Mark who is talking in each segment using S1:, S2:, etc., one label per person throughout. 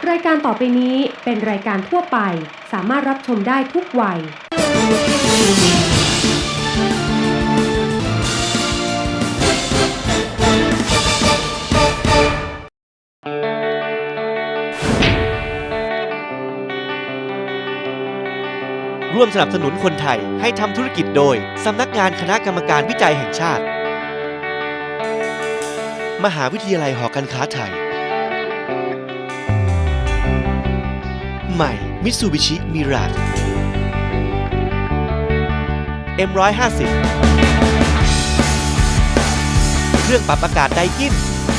S1: รายการต่อไปนี้เป็นรายการทั่วไปสามารถรับชมได้ทุกวัย
S2: ร่วมสนับสนุนคนไทยให้ทำธุรกิจโดยสำนักงานคณะกรรมการวิจัยแห่งชาติมหาวิทยาลัยหอการค้าไทยใหม่มิตซูบิชิมิราจ M150 เครื่องปรับอากาศไดกิน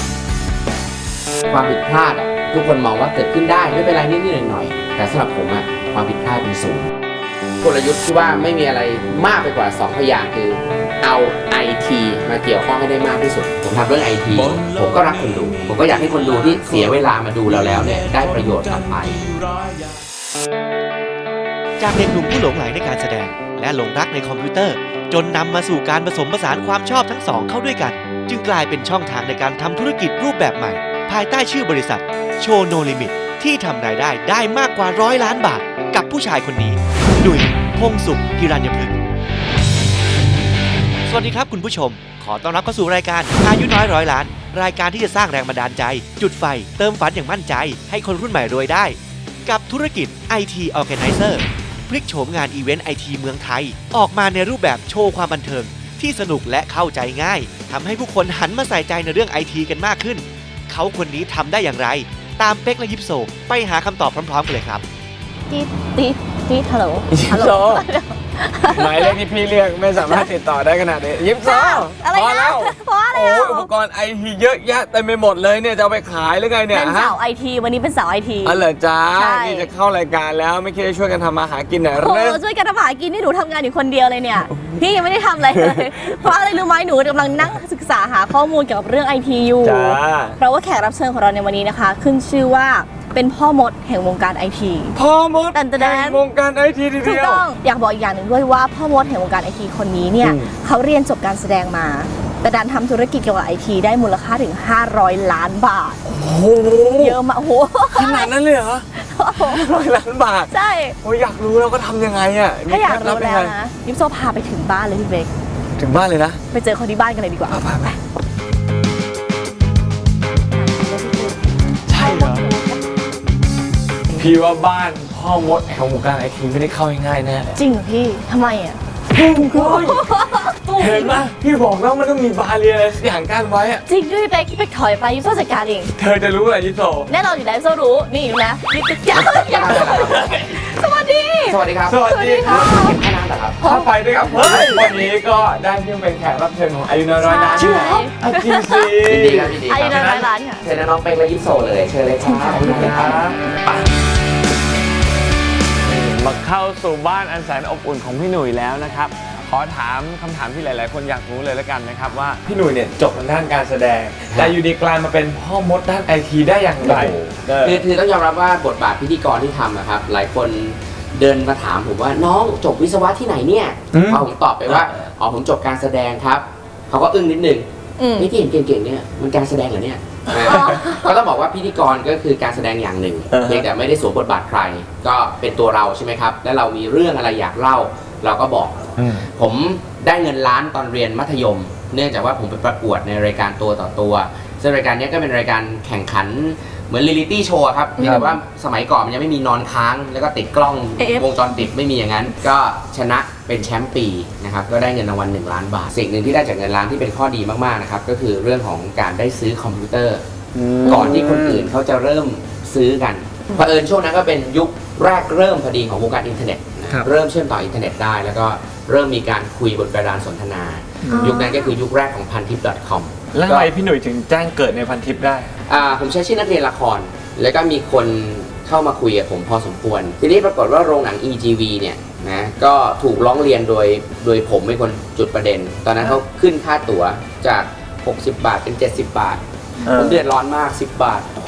S3: ความผิดพลาดทุกคนมองว่าเกิดขึ้นได้ไม่เป็นไรนิดๆหน่อยๆแต่สำหรับผมความผิดพลาดเป็นศูนย์กลยุทธ์ที่ว่าไม่มีอะไรมากไปกว่า2พยางค์คือเอา IT มาเกี่ยวข้องให้ได้มากที่สุดผมทำเรื่อง IT ผมก็รักคนดูผมก็อยากให้คนดูที่เสียเวลามาดูเราแล้วเนี่ยได้ประโยชน์กลับไป
S2: จากเด็กหนุ่มผู้หลงใหลในการแสดงและหลงรักในคอมพิวเตอร์จนนำมาสู่การผสมผสานความชอบทั้งสองเข้าด้วยกันจึงกลายเป็นช่องทางในการทำธุรกิจรูปแบบใหม่ภายใต้ชื่อบริษัทโชว์โนลิมิตที่ทำรายได้มากกว่า100 ล้านบาทกับผู้ชายคนนี้ดุยพงษ์สุขฮิรัญพฤกษ์สวัสดีครับคุณผู้ชมขอต้อนรับเข้าสู่รายการอายุน้อย100 ล้านรายการที่จะสร้างแรงบันดาลใจจุดไฟเติมฝันอย่างมั่นใจให้คนรุ่นใหม่รวยได้กับธุรกิจ IT Organizer พลิกโฉมงานอีเวนต์ IT เมืองไทยออกมาในรูปแบบโชว์ความบันเทิงที่สนุกและเข้าใจง่ายทำให้ผู้คนหันมาใส่ใจในเรื่อง IT กันมากขึ้นเขาคนนี้ทำได้อย่างไรตามเป็กและยิปโซไปหาคำตอบพร้อมๆกันเลยครับ
S4: ตีฮัลโหล
S5: ยิปโซหมายเลขที่พี่เรียกไม่สามารถติดต่อได้ขนาดนี้ยิปโซพอแล้วโอ้อุปกรณ์ไอทีเยอะแยะเต็มไปหมดเลยเนี่ยจะเอาไปขายหรือไงเนี่ย
S4: เป็นสาวไอทีวันนี้เป็นสาวไอที
S5: อ๋อเหรอจ้านี่จะเข้ารายการแล้วไม่คิดจะช่วยกันทำมาหากินหน่อยหรือ
S4: ช่วยกันทำมาหากินนี่หนูทำงานอยู่คนเดียวเลยเนี่ยพี่ยังไม่ได้ทำอะไรเลยเพราะอะไรรู้ไหมหนูกำลังนั่งศึกษาหาข้อมูลเกี่ยวกับเรื่องไอทีอยู่เพราะว่าแขกรับเชิญของเราในวันนี้นะคะขึ้นชื่อว่าเป็นพ่อมดแห่งวงการไอที
S5: พ่อมดแห่งวงการไอทีทีเดียว
S4: ถูกต้องอยากบอกอีกอย่างหนึ่งด้วยว่าพ่อมดแห่งวงการไอทีคนนี้เนี่ยเขาเรียนจบการแสดงมาแต่ดันทำธุรกิจเกี่ยวกับไอทีได้มูลค่าถึง500 ล้านบาท
S5: โอ้โห
S4: เยอะมากโอ้โห
S5: ขนาดนั้นเลยเหรอ500 ล้านบาท
S4: ใช่
S5: โอ้ยอยากรู้แล้วก็ทำยังไง
S4: ถ้าอยากรู้แล้วนะยิปโซพาไปถึงบ้านเลยพี่เบค
S5: ถึงบ้านเลยนะ
S4: ไปเจอคนที่บ้านกันเลยดีกว่า
S5: ไปใช่เหรอพี่ว่าบ้านพ่อมดแห่งวงการไอทีไม่ได้เข้าง่ายๆแน่
S4: จริงเหรอพี่ทำไม
S5: เห็นไหมพี่บอกแล้วมันต้องมีบาเรียอะไรสักอย่างกั้นไว้
S4: จริงด้วยพี่เป๊กถอยไปยิปโซจัดการเอง
S5: เธอจะรู้อะไรยิปโซ
S4: แน่นอนอยู่แล้วยิปโซรู้นี่อยู่นะยิปโซสวัสดี
S3: ครับ
S5: สวัสดีครับ
S3: เก็บแค่นั้นเหรอครับ
S5: เข้าไปด้วยครับวันนี้ก็ได้ที่เป็นแขกรับเชิญของอายุน้อยล้าน
S4: ชื่ออะไร
S5: จริงสิ
S3: ยินดีครับ
S4: อายุน้อยล้านค่ะ
S3: เชิญน้องเป็กและยิปโซเลยเชิญเลยครับ
S5: มาเข้าสู่บ้านอันแสนอบอุ่นของพี่หนุ่ยแล้วนะครับขอถามคำถามที่หลายๆคนอยากรู้เลยแล้วกันนะครับว่าพี่หนุ่ยเนี่ยจบทางด้านการแสดงแต่อยู่ดีกลายมาเป็นพ่อมดด้านไอทีได้อย่างไร
S3: คือต้องยอมรับว่าบทบาทพิธีกรที่ทำครับหลายคนเดินมาถามผมว่าน้องจบวิศวะที่ไหนเนี่ยพอผมตอบไปว่าอ๋อผมจบการแสดงครับเขาก็อึ้งนิดนึงนี่ที่เห็นเก่งๆเนี่ยมันการแสดงเหรอเนี่ยก็ต้องบอกว่าพิธีกรก็คือการแสดงอย่างหนึ่งเพียงแต่ไม่ได้สวมบทบาทใครก็เป็นตัวเราใช่ไหมครับและเรามีเรื่องอะไรอยากเล่าเราก็บอกผมได้เงินล้านตอนเรียนมัธยมเนื่องจากว่าผมไปประกวดในรายการตัวต่อตัวซึ่งรายการนี้ก็เป็นรายการแข่งขันเหมือนเรียลลิตี้โชว์ครับแต่ว่าสมัยก่อนมันยังไม่มีนอนค้างแล้วก็ติดกล้องวงจรปิดไม่มีอย่างนั้นก็ชนะเป็นแชมป์ปีนะครับก็ได้เงินรางวัล1 ล้านบาทสิ่งหนึ่งที่ได้จากเงินล้านที่เป็นข้อดีมากๆนะครับก็คือเรื่องของการได้ซื้อคอมพิวเตอร์ก่อนที่คนอื่นเขาจะเริ่มซื้อกันเผอิญช่วงนั้นก็เป็นยุคแรกเริ่มพอดีของวงการอินเทอร์เน็ตเริ่มเชื่อมต่ออินเทอร์เน็ตได้แล้วก็เริ่มมีการคุยบนกระดานสนทนายุคนั้นก็คือยุคแรกของพันทิป .com
S5: แล้วทำไมพี่หนุ่ยถึงแจ้งเกิดในพันทิปได้
S3: ผมใช้ชื่อนักเรียนละครแล้วก็มีคนเข้ามาคุยกับผมพอสมควรทีนี้ปรากฏว่าโรงหนัง EGV เนี่ยนะก็ถูกร้องเรียนโดยผมเป็นคนจุดประเด็นตอนนั้นเขาขึ้นค่าตั๋วจาก60 บาทเป็น70 บาทผมเดือดร้อนมาก10 บาท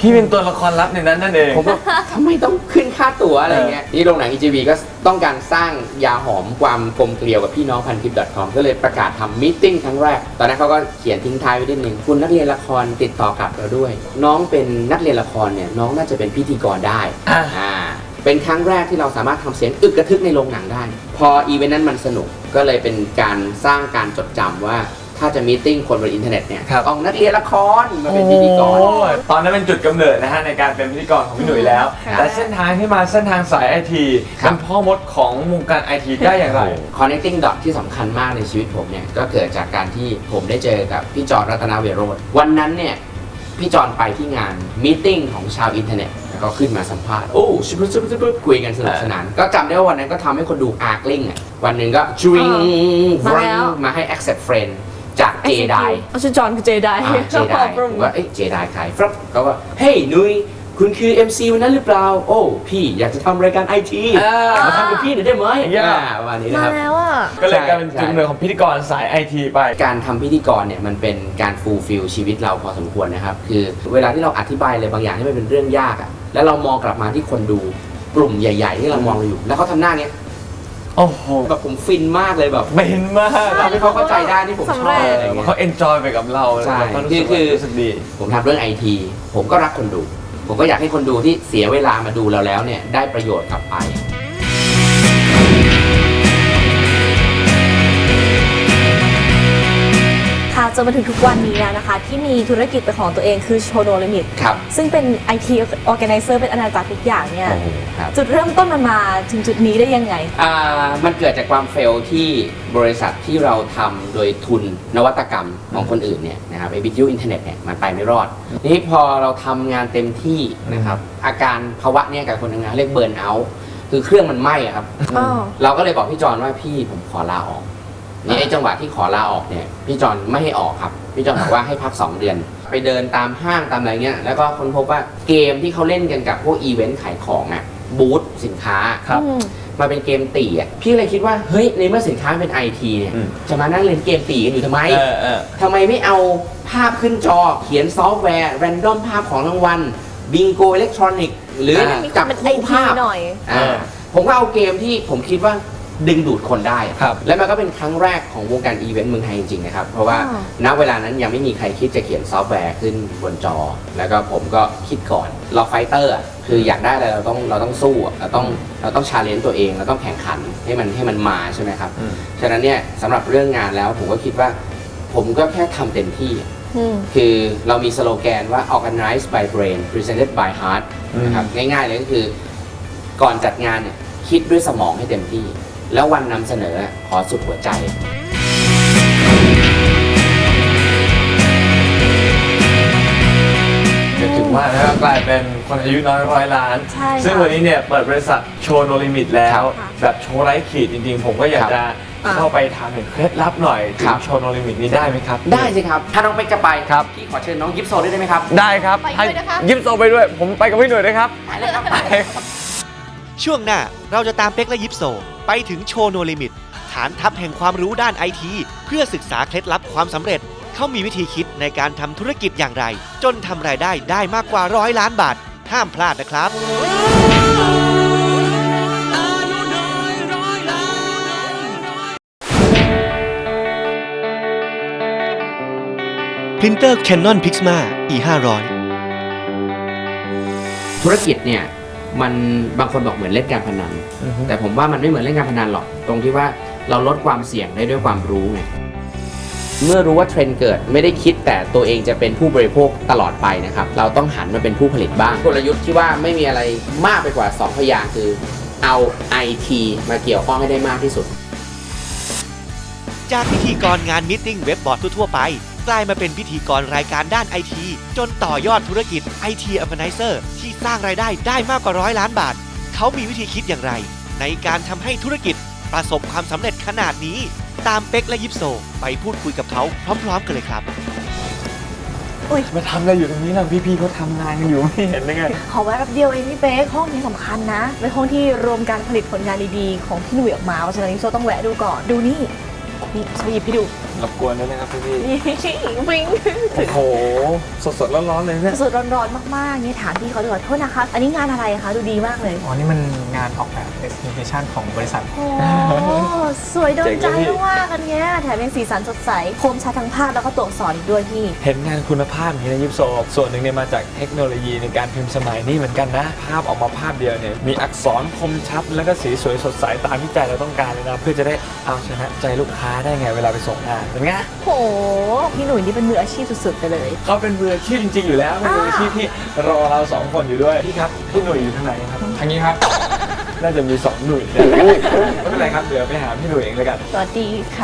S5: พี่เป็นตัวละครลับในนั้นนั่นเอง
S3: ผมว่าทำไมต้องขึ้นค่าตั๋วอะไรเงี้ยนี่โรงหนัง EGV ก็ต้องการสร้างยาหอมความกลมเกลียวกับพี่น้องพันทิป .com ก็เลยประกาศทำมีตติ้งครั้งแรกตอนนั้นเขาก็เขียนทิ้งท้ายไว้นิดนึงคุณนักเรียนละครติดต่อกลับเราด้วย น้องเป็นนักเรียนละครเนี่ยน้องน่าจะเป็นพิธีกรได้ เป็นครั้งแรกที่เราสามารถทำเสียงอึกกระทึกในโรงหนังได้ พออีเวนต์นั้นมันสนุกก็เลยเป็นการสร้างการจดจำว่าถ้าจะมีตติ้งคนบนอินเทอร์เน็ตเนี่ยต้องนักเรียนละครมาเป็นพิธีกร
S5: ตอนนั้นเป็นจุดกำเนิดนะฮะในการเป็นพิธีกรของพี่หนุ่ยแล้ว แต่เส้นทางที่มาเส้นทางสายไอทีเป็นพ่อมดของวงการไอทีได้อย่างไร
S3: Connecting Dot ที่สำคัญมากในชีวิตผมเนี่ยก็เกิดจากการที่ผมได้เจอกับพี่จอร์รัตนเวโรจน์วันนั้นเนี่ยพี่จอร์ไปที่งานมีตติ้งของชาวอินเทอร์เน็ตแล้วก็ขึ้นมาสัมภาษณ์โอ้ชิบคุยกันสนุกสนานก็จำได้ว่าวันนั้นก็ทำให้คนดูอาร์กลิงวันหนึ่งก็จริงมาให้ accept friend จากเจได
S4: ชื่อจอห์นคือเจได
S3: เจไดผมว่าเจไดใครครับเขาว่าเฮ้ยนุ้ยคุณคือ MC วันนั้นหรือเปล่าโอ้พี่อยากจะทำรายการไอทีมาทำกับพี่หน่อยได้ไหมวันนี้นะครับ
S4: มาแล้วอ่ะ
S5: ก็เลยกลายเป็นจุดกำเนิดของพิธีกรสายไอทีไป
S3: การทำพิธีกรเนี่ยมันเป็นการฟูลฟิลชีวิตเราพอสมควรนะครับคือเวลาที่เราอธิบายอะไรบางอย่างที่มันเป็นเรื่องยากอ่ะแล้วเรามองกลับมาที่คนดูกลุ่มใหญ่ๆที่เรามองอยู่แล้วเขาทำหน้าเนี้ย
S5: โอ้โห
S3: แบบผมฟินมากเลยแบบ
S5: ฟินมาก
S3: ทำให้เขาเข้าใจได้ที่ผมชอบอะไรเงี้ย
S5: เขาเอนจอยไปกับเรา
S3: ใช่
S5: คือรู้สึกดี
S3: ผมทำเรื่องไอทีผมก็รักคนดูผมก็อยากให้คนดูที่เสียเวลามาดูเราแล้วเนี่ยได้ประโยชน์กลับไป
S4: ค่ะจนมาถึงทุกวันนี้แล้วนะคะที่มีธุรกิจเป็นของตัวเองคือโชโนลิมิตซึ่งเป็น IT Organizer เป็นอาณาจักรทุกอย่างเนี่ยจุดเริ่มต้นมันมาถึงจุดนี้ได้ยังไง
S3: มันเกิดจากความเฟลที่บริษัทที่เราทำโดยทุนนวัตกรรมของคนอื่นเนี่ยนะครับไอ้วิทยุอินเทอร์เน็ตเนี่ยมันไปไม่รอดนี่พอเราทำงานเต็มที่นะครับอาการภาวะเนี่ยกับคนทำงานเรียกเบิร์นเอาท์คือเครื่องมันไหม้ครับเราก็เลยบอกพี่จอนว่าพี่ผมขอลาออกนี่ไอ้จังหวะที่ขอลาออกเนี่ยพี่จอนไม่ให้ออกครับพี่จอนบอกว่าให้พัก2 เดือนไปเดินตามห้างตามอะไรเงี้ยแล้วก็ค้นพบว่าเกมที่เขาเล่นกันกับพวกอีเวนต์ขายของอ่ะบูธสินค้าครับมาเป็นเกมตีอ่ะพี่เลยคิดว่าเฮ้ยในเมื่อสินค้าเป็นไอทีเนี่ยจะมานั่งเล่นเกมตีกันอยู่ทำไมทำไมไม่เอาภาพขึ้นจอเขียนซอฟต์แวร์แรนดอมภาพของรางวัลบิงโกอิเล็กทรอนิกส์หรือจับคู่ภาพหน่อยผมก็เอาเกมที่ผมคิดว่าดึงดูดคนได้และมันก็เป็นครั้งแรกของวงการอีเวนต์เมืองไทยจริงๆนะครับเพราะว่าณเวลานั้นยังไม่มีใครคิดจะเขียนซอฟต์แวร์ขึ้นบนจอแล้วก็ผมก็คิดก่อนเราไฟเตอร์คืออยากได้อะไรเราต้องสู้เราต้องชาเลนจ์ตัวเองเราต้องแข่งขันให้มันมาใช่ไหมครับฉะนั้นเนี่ยสำหรับเรื่องงานแล้วผมก็คิดว่าผมก็แค่ทำเต็มที่คือเรามีสโลแกนว่า organized by brain presented by heart นะครับง่ายๆเลยก็คือก่อนจัดงานเนี่ยคิดด้วยสมองให้เต็มที่แล้ววันนำเสนอขอสุดหัวใจ
S5: ถึงว่าแล้วกลายเป็นคนอายุน้อย100 ล้านซึ่งวันนี้เนี่ยเปิดบริษัทโชว์โนลิมิตแล้วแบบโชว์ไร้ขีดจริงๆผมก็อยากจะเข้าไปถามถึงเคล็ดลับหน่อยถึงโชว์โนลิมิตนี้ได้ไหมครับ
S3: ได้สิครับถ้าน้องเป็กจะไปครับพี่ขอเชิญน้องยิปโซได้ไหมครับ
S5: ได้ครับให้ยิปโซไปด้วยผมไปกับพี่หน่วยด้วยครับ
S3: ไปเลยครับ
S2: ช่วงหน้าเราจะตามเป็กและยิปโซไปถึงโชว์โนลิมิตฐานทัพแห่งความรู้ด้านไอทีเพื่อศึกษาเคล็ดลับความสำเร็จเขามีวิธีคิดในการทำธุรกิจอย่างไรจนทำรายได้มากกว่า100 ล้านบาทห้ามพลาดนะครับพรินเตอร์ Canon Pixma E500
S3: ธุรกิจเนี่ยมันบางคนบอกเหมือนเล่นการพนันแต่ผมว่ามันไม่เหมือนเล่นการพนันหรอกตรงที่ว่าเราลดความเสี่ยงได้ด้วยความรู้ไงเมื่อรู้ว่าเทรนด์เกิดไม่ได้คิดแต่ตัวเองจะเป็นผู้บริโภคตลอดไปนะครับเราต้องหันมาเป็นผู้ผลิตบ้างกลยุทธ์ที่ว่าไม่มีอะไรมากไปกว่า2 พยางค์คือเอา IT มาเกี่ยวข้องให้ได้มากที่สุด
S2: จากพิธีกรงานมีตติ้งเว็บบอร์ดทั่วไปกลายมาเป็นพิธีกรรายการด้านไอทีจนต่อยอดธุรกิจ IT Organizer ที่สร้างรายได้มากกว่า100 ล้านบาทเขามีวิธีคิดอย่างไรในการทำให้ธุรกิจประสบความสำเร็จขนาดนี้ตามเป็กและยิปโซไปพูดคุยกับเขาพร้อมๆกันเลยครับ
S5: มาทำอะไรอยู่ตรงนี้ล่ะพี่ๆเขาทำงานกันอยู่ไม่เห็นได้ไง
S4: ขอแวะแป๊บเดียวเองพี่เป๊กห้องนี้สำคัญนะเป็นห้องที่รวมการผลิตผลงานดีๆของพี่หนุ่ยออกมาเพราะฉะนั้นยิปโซต้องแวะดูก่อนดูนี่โซหยิบให้ดู
S5: รบกวนด้วยนะครับพี่
S4: วิ่ง
S5: โอ้โหสดๆร้อนๆเลยเนี่ย
S4: สดร้อนๆมากๆเนี่ยถามพี่เขาดีกว่าโทษนะคะอันนี้งานอะไรคะดูดีมากเลย
S6: อ๋อ นี่มันงานออกแบบ presentation ของบริษัท
S4: โอ้สวยโดนใจมากๆกันเนี้ยแถมยังสีสันสดใสคมชัดทั้งภาพแล้วก็ตัวอักษรอีกด้วยพี่
S5: เห็นงานคุณภาพอย่างนี้นะยิปโซส่วนหนึ่งเนี่ยมาจากเทคโนโลยีในการพิมพ์สมัยนี้เหมือนกันนะภาพออกมาภาพเดียวเนี่ยมีอักษรคมชัดแล้วก็สีสวยสดใสตามที่ใจเราต้องการเลยนะเพื่อจะได้เอาชนะใจลูกค้าได้ไงเวลาไปส่งงานเป็นไง
S4: โหพี่หนุ่ยนี่เป็นมืออาชีพสุดๆไปเลย
S5: เขาเป็นมืออาชีพจริงๆอยู่แล้วเป็นมืออาชีพที่รอเราสองคนอยู่ด้วยพี่ครับพี่หนุ่ยอยู่ทางไหนครับ
S6: ทางนี้ครับ
S5: น่าจะมี2หนุ่ยเนี่ยไม่เป็นไรครับเดี๋ยวไปหาพี่หนุ่ยเองแล้วกัน
S4: สวัสดีค่ะ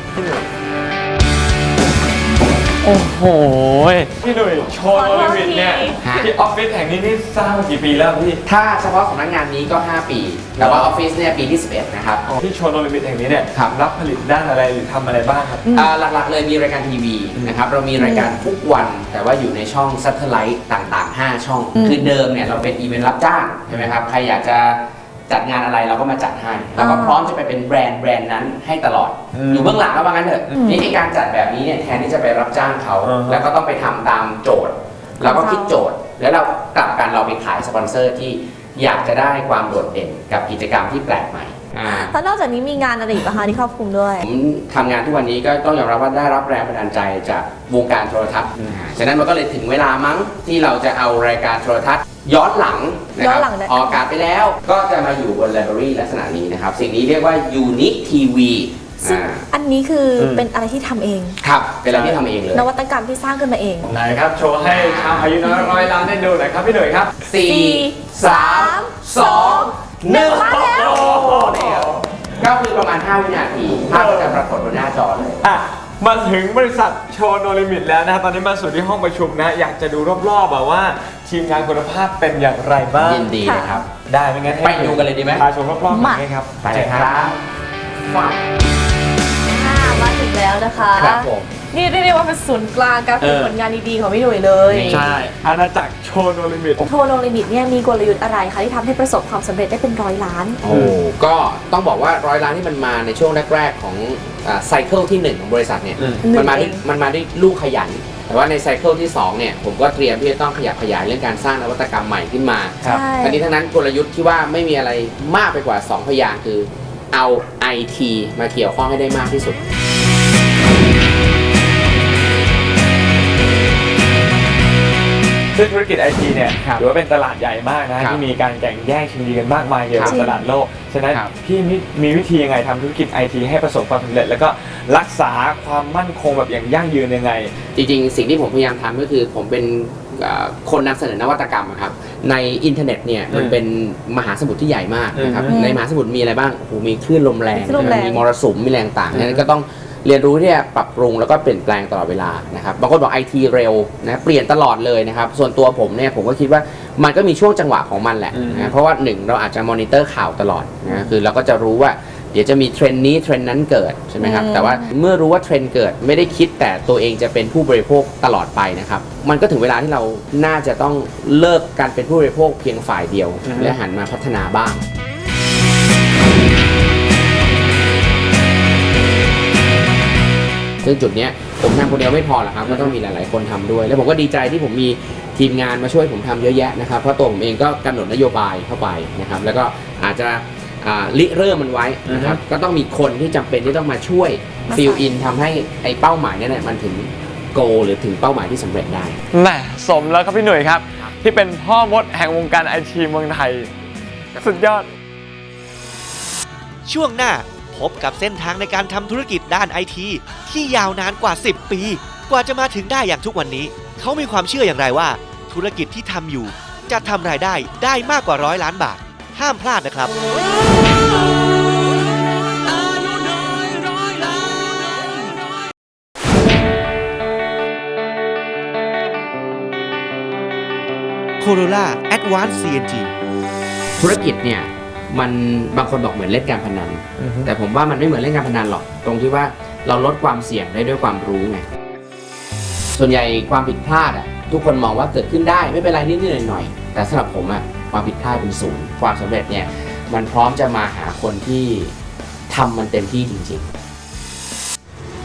S5: โอ้โหพี่หนุ่ยโชว์โนลิมิตเนี่ย
S3: ฮะ
S5: ที่ออฟฟิศแห่งนี้นี่สร้างมากี่ปีแล้วพี่
S3: ถ้าเฉพาะสำนักงานนี้ก็ 5 ปี แต่ว่าออฟฟิศเนี่ยปีที่ 11 นะครับ
S5: ที่โชว์โนลิมิตแห่งนี้เนี่ย
S3: ครับ
S5: รับผลิตด้านอะไรหรือทำอะไรบ้างครับ
S3: หลักๆเลยมีรายการทีวีนะครับเรามีรายการทุกวัน แต่ว่าอยู่ในช่องซัตเทอร์ไลท์ต่างๆ 5 ช่อง คือเดิมเนี่ยเราเป็นอีเวนต์รับจ้างใช่ไหมครับใครอยากจะจัดงานอะไรเราก็มาจัดให้แล้วก็พร้อมจะไปเป็นแบรนด์นั้นให้ตลอด อยู่เบื้องหลังก็ว่างั้นเถอะนี่ในการจัดแบบนี้เนี่ยแทนที่จะไปรับจ้างเขา แล้วก็ต้องไปทำตามโจทย์เราก็คิดโจทย์ แล้วเรากลับกันเราไปขายสปอนเซอร์ที่อยากจะได้ความโดดเด่นกับกิจกรรมที่แปลกใหม่
S4: แล้วนอกจากนี้มีงานอะไรอีกบ้างคะที่ครอบคลุมด้วย
S3: ผมทำงานทุกวันนี้ก็ต้องยอมรับว่าได้รับแรงบันดาลใจจากวงการโทรทัศน์ฉะนั้นมันก็เลยถึงเวลามั้งที่เราจะเอารายการโทรทัศน์ย้อนหลังนะค
S4: ย้
S3: รั
S4: อบ นหลังได้
S3: ออกอากาศไปแล้วก็จะมาอยู่บนไลบรารีลักษณะนี้นะครับสิ่งนี้เรียกว่า Unique TV
S4: ซึ่งอันนี้คือเป็นอะไรที่ทำเอง
S3: ครับเป็นอะไรที่ทำเองเลย
S4: นวัตกรรมที่สร้างขึ้นมาเอง
S5: ไหนครับโชว์ให้ชาวอายุน้อยร้อยล้านได้ดูหน่อยครับพี่หนุ่ยครับ
S3: 4 3 2 1
S4: มาแล้ว
S3: โอ้โหนี่ครับก็คือประมาณ 5 วินาทีภาพก็จะปรากฏบนหน้าจอเลย
S5: อ่ะมาถึงบริษัทโชว์โนลิมิตแล้วนะครับตอนนี้มาสู่ที่ห้องประชุมนะอยากจะดูรอบๆแบบว่าทีมงานคุณภาพเป็นอย่างไรบ้าง
S3: ยินดีเลยครับ
S5: ได้ไหมงั้นให้
S3: ไปดูกันเลยดีไหม
S5: พาชมรอบๆหน่อยครับ
S3: ไปเลยครับว้าว
S4: มาถึงแล้วนะคะ
S3: ครับผม
S4: นี่เรียกได้ว่าเป็นศูนย์กลางการฝึกผลงานดีๆของพี่หนุ่ยเลย
S5: ใช่อาณาจักรโชว์โนลิมิต
S4: โทรโนลิมิตเนี่ยมีกลยุทธ์อะไรคะที่ทำให้ประสบความสำเร็จได้เป็น100 ล้าน
S3: โอ้ก็ต้องบอกว่า100 ล้านที่มันมาในช่วงแรกๆของไซเคิลที่ 1 ของบริษัทเนี่ย มันมาด้วยลูกขยัน แต่ว่าในไซเคิลที่ 2 เนี่ย ผมก็เตรียมที่จะต้องขยับขยายเรื่องการสร้างนวัตกรรมใหม่ขึ้นมา
S5: ครับ
S4: ใช่
S3: ทั้งนี้ทั้งนั้นกลยุทธ์ที่ว่าไม่มีอะไรมากไปกว่า 2 พยางค์คือเอา IT มาเกี่ยวข้องให้ได้มากที่สุด
S5: ซึ่งธุรกิจไอทีเนี่ย
S3: ครับ
S5: ถือว่าเป็นตลาดใหญ่มากนะ
S3: ครับ
S5: ที่มีการแข่งแย่งชิงดีกันมากมายเกี่ยวกับ
S4: จริง
S5: ตลาดโลก ฉะนั้น
S3: ครับ
S5: พี่มีวิธียังไงทำธุรกิจไอทีให้ประสบความสำเร็จ แล้วก็รักษาความมั่นคงแบบอย่างยั่งยืนยังไง
S3: จริงๆ สิ่งที่ผมพยายามทำก็คือผมเป็นคนนำเสนอนวัตกรรมอะครับในอินเทอร์เน็ตเนี่ยมันเป็นมหาสมุทรที่ใหญ่มากนะครับ ในมหาสมุทรมีอะไรบ้างโอ้โหมีคลื่นลมแรง
S4: คลื่นลมแรง
S3: มีมรสุมมีแรงต่างนั้นก็ต้องเรียนรู้ที่จะปรับปรุงแล้วก็เปลี่ยนแปลงตลอดเวลานะครับบางคนบอก IT เร็วนะเปลี่ยนตลอดเลยนะครับส่วนตัวผมเนี่ยผมก็คิดว่ามันก็มีช่วงจังหวะของมันแหละนะเพราะว่าหนึ่งเราอาจจะมอนิเตอร์ข่าวตลอดนะคือเราก็จะรู้ว่าเดี๋ยวจะมีเทรนด์นี้เทรนด์นั้นเกิดใช่ไหมครับแต่ว่าเมื่อรู้ว่าเทรนด์เกิดไม่ได้คิดแต่ตัวเองจะเป็นผู้บริโภคตลอดไปนะครับมันก็ถึงเวลาที่เราน่าจะต้องเลิกการเป็นผู้บริโภคเพียงฝ่ายเดียว และหันมาพัฒนาบ้างซึ่งจุดเนี้ยผมทำคนเดียวไม่พอหรอกครับก็ต้องมีหลายๆคนทำด้วย แล้วผมก็ดีใจที่ผมมีทีมงานมาช่วยผมทำเยอะแยะนะครับเพราะตัวผมเองก็กำหนดนโยบายเข้าไปนะครับแล้วก็อาจจะริเริ่มมันไว้นะครับก็ต้องมีคนที่จำเป็นที่ต้องมาช่วยฟิลอินทำให้ไอ้เป้าหมายนั้นมันถึงโกหรือถึงเป้าหมายที่สำเร็จได้
S5: แหมสมแล้วครับพี่หนุ่ยครับ ที่เป็นพ่อมดแห่งวงการไอทีเมืองไทย สุดยอด
S2: ช่วงหน้าพบกับเส้นทางในการทำธุรกิจด้านไอทีที่ยาวนานกว่า 10 ปี กว่าจะมาถึงได้อย่างทุกวันนี้ เขามีความเชื่ออย่างไรว่า ธุรกิจที่ทำอยู่จะทำรายได้มากกว่า100 ล้านบาท ห้ามพลาดนะครับ Corolla Advanced CNG
S3: ธุรกิจเนี่ยมันบางคนบอกเหมือนเล่นการพนันแต่ผมว่ามันไม่เหมือนเล่นการพนันหรอกตรงที่ว่าเราลดความเสี่ยงได้ด้วยความรู้ไงส่วนใหญ่ความผิดพลาดทุกคนมองว่าเกิดขึ้นได้ไม่เป็นไรนิดๆหน่อยๆแต่สำหรับผมความผิดพลาดเป็นศูนย์ความสำเร็จเนี่ยมันพร้อมจะมาหาคนที่ทำมันเต็มที่จริงๆ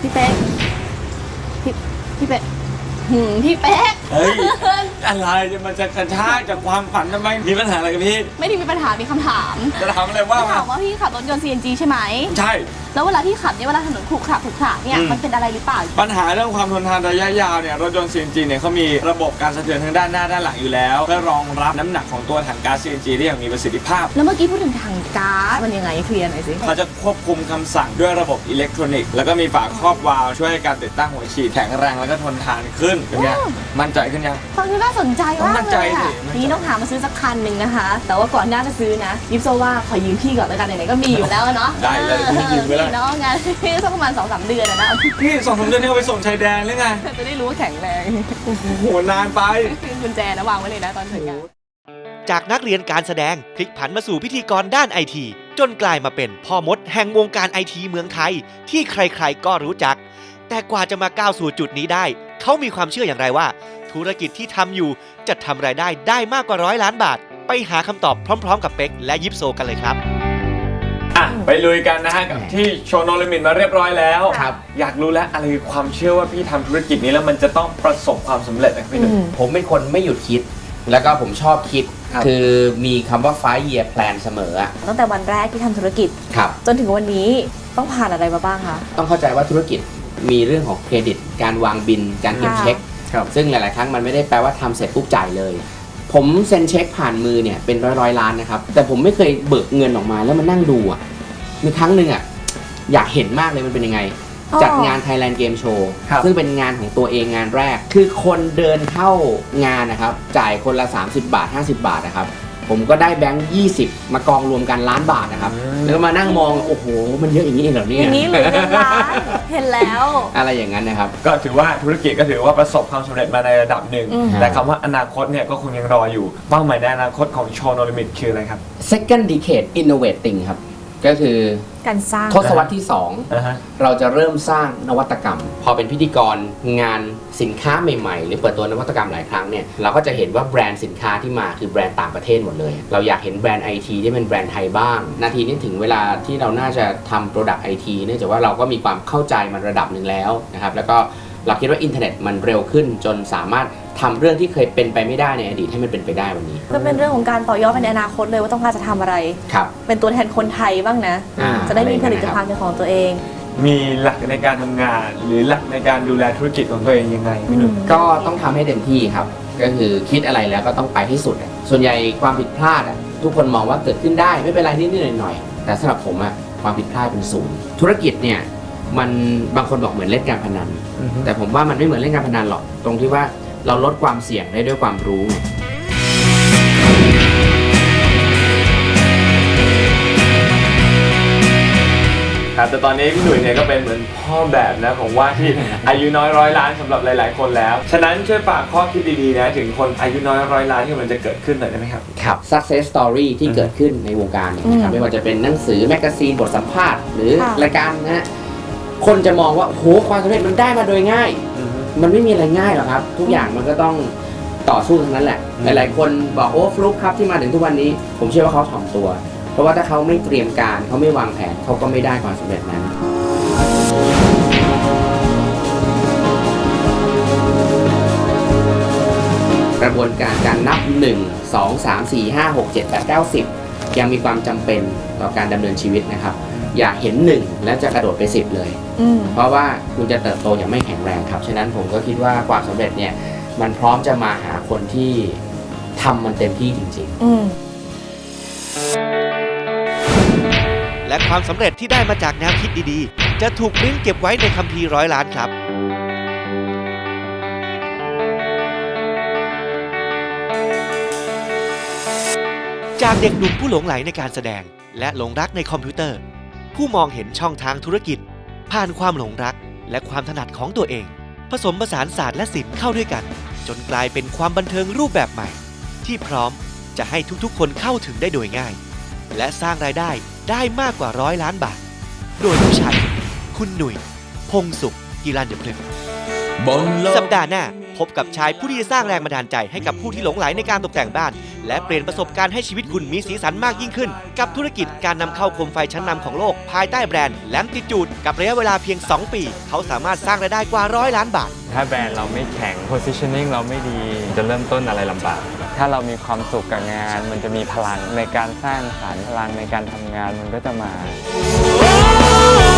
S4: พี่เป๊กพี่เป๊กพี่เป๊ก
S5: เฮ้ย อะไรมันจะกระชากจากความฝันทำไมมีปัญหาอะไรกับพี่
S4: ไม่ได้มีปัญหามีคำถาม
S5: จะถามอะไรว่า
S4: ถามว่าพี่ขับรถยนต์ CNG ใช่ไหม
S5: ใช่
S4: แล้วเวลาพี่ขับเนี่ยเวลาถนนขรุขระเนี่ยมันเป็นอะไรหรือเปล่า
S5: ปัญหาเรื่องความทนทานระยะยาวเนี่ยรถยนต์ CNG เนี่ยเขามีระบบการสะเทือนทั้งด้านหน้าด้านหลังอยู่แล้วเพื่อรองรับน้ำหนักของตัวถังก๊าซ CNG ได้อย่างมีประสิทธิภาพ
S4: แล้วเมื่อกี้พูดถึงถังก๊าซมันยังไงเคลียร์หน่อยสิ
S5: เขาจะควบคุมคำสั่งด้วยระบบอิเล็กทรอนิกส์แล้วก็มีฝาครอบวาล์วช่วยให้การติดตั้งหัวฉีดแข็งแรงแล้วก็ทนทานขึ้นอย่างเงี้ยมั่นใจขึ้นยัง
S4: ฟังดูน่าสนใจมาก
S5: มั่น
S4: เล
S5: ใจ
S4: ย
S5: สิ
S4: ค่ะ
S5: มั่นใจ
S4: นี่ต้องหามาซื้อสักคันหนึ่งนะคะ แต่ว่าก่อนหน้าจะซื้อนะยิปโซว่าขอยืมพี่ก่อนแล้วกันไหนๆก็มีอยู่แล้วเนาะ
S5: ได้เลยพี่ยืมไปเลย
S4: เนาะงานสักประมาณ 2-3 เดือนนะ
S5: พี่2-3 เดือนนี่เอาไปส่งชายแดนหรือไง
S4: จะได้รู้ว่าแข็งแรง
S5: โอ้โหนานไป
S4: กุญแจนะวางไว้เลยนะตอนถึงงาน
S2: จากนักเรียนการแสดงพลิกผันมาสู่พิธีกรด้านไอทีจนกลายมาเป็นพ่อมดแห่งวงการไอทีเมืองไทยที่ใครๆก็รู้จัก แต่กว่าจะมาก้าวสู่จุดนี้ได้ เขามีความเชื่ออย่างไรว่า ธุรกิจที่ทำอยู่จะทำรายได้มากกว่า100 ล้านบาท ไปหาคำตอบพร้อมๆกับเป็กและยิปโซกันเลยครับ
S5: อ่ะไปลุยกันนะฮะกับที่โชว์โนลิมิตมาเรียบร้อยแล้ว
S3: ครับ
S5: อยากรู้แล้วอะไรคือความเชื่อว่าพี่ทำธุรกิจนี้แล้วมันจะต้องประสบความสำเร็จนะพี่หนุ่ม
S3: ผมเป็นคนไม่หยุดคิด แล้วก็ผมชอบคิด
S5: ครับ
S3: คือมีคำว่า 5 year plan เสมออะ
S4: ตั้งแต่วันแรกที่ทำธุรกิจ
S3: ครับ
S4: จนถึงวันนี้ต้องผ่านอะไรมาบ้างคะ
S3: ต้องเข้าใจว่าธุรกิจมีเรื่องของเครดิต การวางบิน การเก็บ
S4: ค่ะ
S3: เช็ค
S5: ครับ
S3: ซึ่งหลาย ๆ ครั้งมันไม่ได้แปลว่าทำเสร็จปุ๊บจ่ายเลย ผมเซ็นเช็คผ่านมือเนี่ยเป็นร้อยล้านนะครับ แต่ผมไม่เคยเบิกเงินออกมาแล้วมานั่งดูอ่ะ มีครั้งหนึ่งอ่ะอยากเห็นมากเลยมันเป็นยังไง จัดงาน Thailand Game Show
S5: ครับ
S3: ซึ่งเป็นงานของตัวเองงานแรก คือคนเดินเข้างานนะครับ จ่ายคนละ 30 บาท 50 บาทนะครับ ผมก็ได้แบงค์20 มากองรวมกันล้านบาทนะครับ แล้วก็มานั่งมอง โอ้โห มันเยอะอย่างนี้เองเหรอเนี่
S4: อย ย่างนี้หรือเงินล้านเห็นแล้ว
S3: อะไรอย่างนั้นนะครับ
S5: ก็ถือว่าธุรกิจก็ถือว่าประสบความสำเร็จมาในระดับหนึ่ง
S4: อืม
S5: แต่คำว่าอนาคตเนี่ยก็คงยังรออยู่เป้าหมายในอนาคตของโชว์โนลิมิตคืออะไรครับ
S3: Second Decade Innovating ครับ ก็คือ
S4: การสร้าง
S3: ทศวรรษที่ 2 เราจะเริ่มสร้างนวัตกรรม พอเป็นพิธีกรงานสินค้าใหม่ๆ หรือเปิดตัวนวัตกรรมหลายครั้งเนี่ยเราก็จะเห็นว่าแบรนด์สินค้าที่มาคือแบรนด์ต่างประเทศหมดเลย เราอยากเห็นแบรนด์ไอทีที่เป็นแบรนด์ไทยบ้าง นาทีนี้ถึงเวลาที่เราน่าจะทำโปรดักต์ไอทีเนื่องจากว่าเราก็มีความเข้าใจมันระดับหนึ่งแล้วนะครับแล้วก็เราคิดว่าอินเทอร์เน็ตมันเร็วขึ้นจนสามารถทำเรื่องที่เคยเป็นไปไม่ได้ในอดีตให้มันเป็นไปได้วันนี้
S4: ก็เป็นเรื่องของการต่อยอดไปในอนาคตเลยว่าต้องการจะทำอะไร
S3: ครับ
S4: เป็นตัวแทนคนไทยบ้างนะ จะได้มีผลิตภัณฑ์เป็นของตัวเอง
S5: มีหลักในการทำงาน หรือหลักในการดูแลธุรกิจของตัวเองยังไงพี่หนุ่ม
S3: ก็ต้องทำให้เต็มที่ครับ ก็คือคิดอะไรแล้วก็ต้องไปให้สุดอะส่วนใหญ่ความผิดพลาดอะทุกคนมองว่าเกิดขึ้นได้ไม่เป็นไรนิดๆหน่อยๆแต่สำหรับผมอะความผิดพลาดเป็นศูนย์ธุรกิจเนี่ยมันบางคนบอกเหมือนเล่นการพนัน แต่ผมว่ามันไม่เหมือนเล่นการพนันหรอกตรงที่ว่าเราลดความเสี่ยงได้ด้วยความรู้ไง
S5: ครับแต่ตอนนี้พี่หนุ่ยเนี่ยก็เป็นเหมือนพ่อแบบนะของว่าที่ อายุน้อย100 ล้านสำหรับหลาย ๆ คนแล้ว ฉะนั้นช่วยฝากข้อคิดดี ๆ นะถึงคนอายุน้อย100 ล้านที่มันจะเกิดขึ้นหน่อยได้ไหมครับ
S3: ครับ success story ที่เกิดขึ้นในวงการเนี่ยนะครับไม่ว่าจะเป็นหนังสือแมกกาซีนบทสัมภาษณ์หรือ
S4: ค่ะ
S3: รายการนะฮะคนจะมองว่าโอ้โหความสำเร็จมันได้มาโดยง่าย มันไม่มีอะไรง่ายหรอกครับ ทุกอย่างมันก็ต้องต่อสู้ทั้งนั้นแหละ หลายๆคนบอกโอ้ฟลุกครับที่มาถึงทุกวันนี้ ผมเชื่อว่าเขาถ่อมตัว เพราะว่าถ้าเขาไม่เตรียมการเขาไม่วางแผนเขาก็ไม่ได้ความสำเร็จนั้น กระบวนการการนับ 1 2 3 4 5 6 7 8 9 10 ยังมีความจำเป็นต่อการดำเนินชีวิตนะครับ อย่าเห็น 1 แล้วจะกระโดดไป 10 เลย เพราะว่าคุณจะเติบโตอย่างไม่แข็งแรงครับ ฉะนั้นผมก็คิดว่าความสำเร็จเนี่ยมันพร้อมจะมาหาคนที่ทำมันเต็มที่จริงๆ
S2: และความสำเร็จที่ได้มาจากแนวคิดดีๆ จะถูกปริ้นเก็บไว้ในคัมภีร์100 ล้านครับ จากเด็กหนุ่มผู้หลงใหลในการแสดง และหลงรักในคอมพิวเตอร์ ผู้มองเห็นช่องทางธุรกิจ ผ่านความหลงรักและความถนัดของตัวเอง ผสมผสานศาสตร์และศิลป์เข้าด้วยกัน จนกลายเป็นความบันเทิงรูปแบบใหม่ ที่พร้อมจะให้ทุกๆคนเข้าถึงได้โดยง่าย และสร้างรายได้มากกว่า100 ล้านบาท โดยผู้ชายคนนี้คุณหนุ่ย พงษ์สุข กีรัญญพฤกษ์สัปดาห์หน้าพบกับชายผู้ที่จะสร้างแรงบันดาลใจให้กับผู้ที่หลงไหลในการตกแต่งบ้านและเปลี่ยนประสบการณ์ให้ชีวิตคุณมีสีสันมากยิ่งขึ้นกับธุรกิจการนำเข้าโคมไฟชั้นนำของโลกภายใต้แบรนด์แลมติจูดกับระยะเวลาเพียง 2 ปีเขาสามารถสร้างรายได้กว่า100 ล้านบาท
S5: ถ้าแบรนด์เราไม่แข็ง positioning เราไม่ดีจะเริ่มต้นอะไรลำบากถ้าเรามีความสุขกับงานมันจะมีพลังในการสร้างสรรค์พลังในการทำงานมันก็จะมา